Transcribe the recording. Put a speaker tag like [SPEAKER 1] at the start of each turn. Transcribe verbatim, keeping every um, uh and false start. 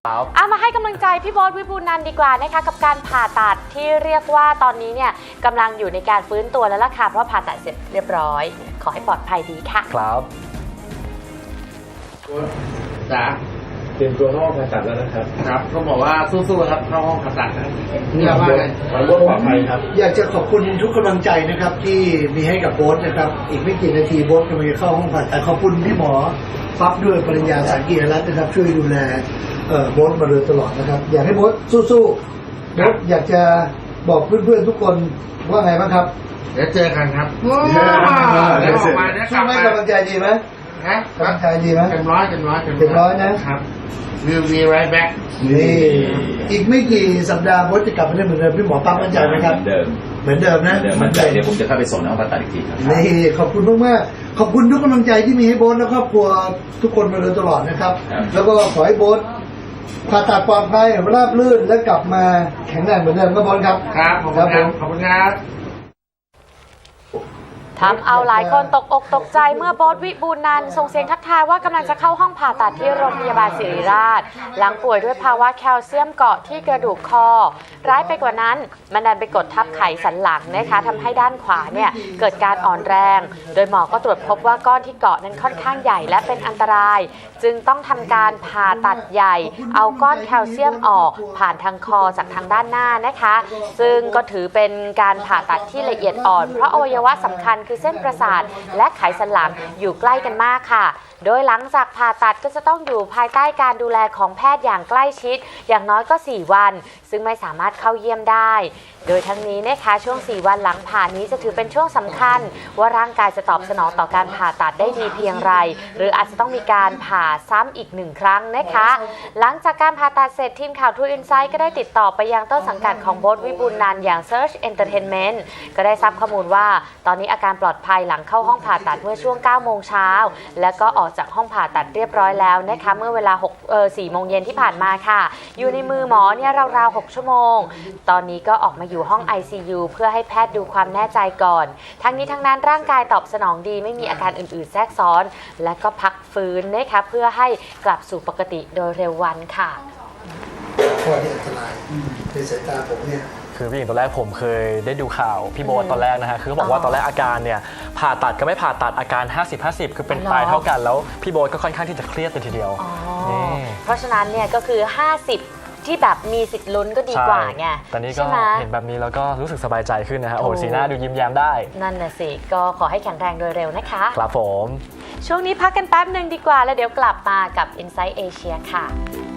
[SPEAKER 1] เอามาให้กำลังใจพี่โบ๊ทวิบูลย์นันท์ดีกว่านะคะกับการผ่าตัดที่เรียกว่าตอนนี้เนี่ยกำลังอยู่ในการฟื้นตัวแล้วล่ะค่ะเพราะผ่าตัดเสร็จเรียบร้อยขอให้ปลอดภัยดีค่ะ
[SPEAKER 2] ครับ
[SPEAKER 3] จ้า
[SPEAKER 4] เตรียมตัวเข้าห้องผ่าตัดแล้วนะครับ
[SPEAKER 3] ครับก็บอกว่าสู้ๆครับเข้าห้องผ่าตัดนะ
[SPEAKER 4] เยี่ยมมากเลยขอร่วมปลอดภัยครับ
[SPEAKER 5] อยากจะขอบคุณทุกกำลังใจนะครับที่มีให้กับโบ๊ทนะครับอีกไม่กี่นาทีโบ๊ทกำลังจะเข้าห้องผ่าตัดขอบคุณพี่หมอปั๊บด้วยปริญญาสากีรัตน์นะครับช่วยดูแลโบ๊ทมาโดยตลอดนะครับอยากให้โบ๊ทสู้ๆโบ๊ทอยากจะบอกเพื่อนๆทุกคนว่าไงบ้างครับ
[SPEAKER 3] เดี๋ยวเจอกันครับ
[SPEAKER 5] เดี๋ยวออกมาเนี่ยช่วยให้กำลังใจดีไหม
[SPEAKER 3] ฮะ
[SPEAKER 5] กำลังใจดีไหม
[SPEAKER 3] เต็มร้อยเต็มร้อย
[SPEAKER 5] เต็มร้อยนะครับ
[SPEAKER 3] We'll be right back
[SPEAKER 5] นี่อีกไม่กี่สัปดาห์โบ๊ทจะกลับมาได้เหมือนเดิมพี่หมอปั๊มมั่นใจไหมครับ
[SPEAKER 4] เหมือนเดิม
[SPEAKER 5] เหมือนเดิมนะ
[SPEAKER 4] เดิมมั่นใจเดี๋ยวผมจะเข้าไปส่งน้องผ่าตัดอีกทีครับ
[SPEAKER 5] นี่ขอบคุณมากมากขอบคุณทุกกำลังใจที่มีให้โบ๊ทและครอบครัวทุกคนมาโดยตลอดนะครับแล้วก็ขอให้โบ๊ทผ่าตัดปลอดภัยราบรื่นและกลับมาแข็งแรงเหมือนเดิมก็โบ๊ทครับ
[SPEAKER 3] ครับขอบคุณครับขอบคุณครับ
[SPEAKER 1] ทำเอาหลายคนตกอกตกใจเมื่อโบ๊ทวิบูลย์นันท์ส่งเสียงทักทายว่ากำลังจะเข้าห้องผ่าตัดที่โรงพยาบาลศิริราชหลังป่วยด้วยภาวะแคลเซียมเกาะที่กระดูกคอร้ายไปกว่านั้นมันดันไปกดทับไขสันหลังนะคะทำให้ด้านขวาเนี่ยเกิดการอ่อนแรงโดยหมอก็ตรวจพบว่าก้อนที่เกาะนั้นค่อนข้างใหญ่และเป็นอันตรายจึงต้องทำการผ่าตัดใหญ่เอาก้อนแคลเซียมออกผ่านทางคอจากทางด้านหน้านะคะซึ่งก็ถือเป็นการผ่าตัดที่ละเอียดอ่อนเพราะอวัยวะสำคัญคือเส้นประสาทและไขสันหลังอยู่ใกล้กันมากค่ะโดยหลังจากผ่าตัดก็จะต้องอยู่ภายใต้การดูแลของแพทย์อย่างใกล้ชิดอย่างน้อยก็สี่วันซึ่งไม่สามารถเข้าเยี่ยมได้โดยทั้งนี้นะคะช่วงสี่วันหลังผ่านี้จะถือเป็นช่วงสำคัญว่าร่างกายจะตอบสนองต่อการผ่าตัดได้ดีเพียงไรหรืออาจจะต้องมีการผ่าซ้ำอีกหนึ่งครั้งนะคะหลังจากการผ่าตัดเสร็จทีมข่าว True Insight ก็ได้ติดต่อไปยังต้นสังกัดของโบ๊ทวิบูลย์นันท์อย่าง Search Entertainment ก็ได้ทราบข้อมูลว่าตอนนี้อาการปลอดภัยหลังเข้าห้องผ่าตัดเมื่อช่วงเก้าโมงเช้าแล้วก็ออกจากห้องผ่าตัดเรียบร้อยแล้วนะคะเมื่อเวลาหกเอ่อสี่โมงเย็นที่ผ่านมาค่ะอยู่ในมือหมอเนี่ยราวๆหกชั่วโมงตอนนี้ก็ออกมาอยู่ห้อง ไอ ซี ยู เพื่อให้แพทย์ดูความแน่ใจก่อนทั้งนี้ทั้งนั้นร่างกายตอบสนองดีไม่มีอาการอื่นๆแทรกซ้อนและก็พักฟื้นนะคะเพื่อให้กลับสู่ปกติโดยเร็ววันค่ะ
[SPEAKER 5] ข้อที่อันตรายในสายตาผมเนี่ย
[SPEAKER 2] คือพี่หญิงตอนแรกผมเคยได้ดูข่าวพี่โบ๊ทตอนแรกนะฮะคือเขาบอกว่าตอนแรกอาการเนี่ยผ่าตัดก็ไม่ผ่าตัดอาการ ห้าสิบ ห้าสิบ คือเป็นตายเท่ากันแล้วพี่โบ๊ทก็ค่อนข้างที่จะเครียดเลยทีเดียว
[SPEAKER 1] เพราะฉะนั้นเนี่ยก็คือห้าสิบที่แบบมีสิทธิ์ลุ้นก็ดีกว่าไง
[SPEAKER 2] ตอนนี้ก็เห็นแบบนี้แล้วก็รู้สึกสบายใจขึ้นนะฮะโอ้โหสีหน้าดูยิ้มแย้มได้
[SPEAKER 1] นั่นน่ะสิก็ขอให้แข็งแรงโดยเร็วนะคะ
[SPEAKER 2] ครับผม
[SPEAKER 1] ช่วงนี้พักกันแป๊บหนึ่งดีกว่าแล้วเดี๋ยวกลับมากับ Inside Asia ค่ะ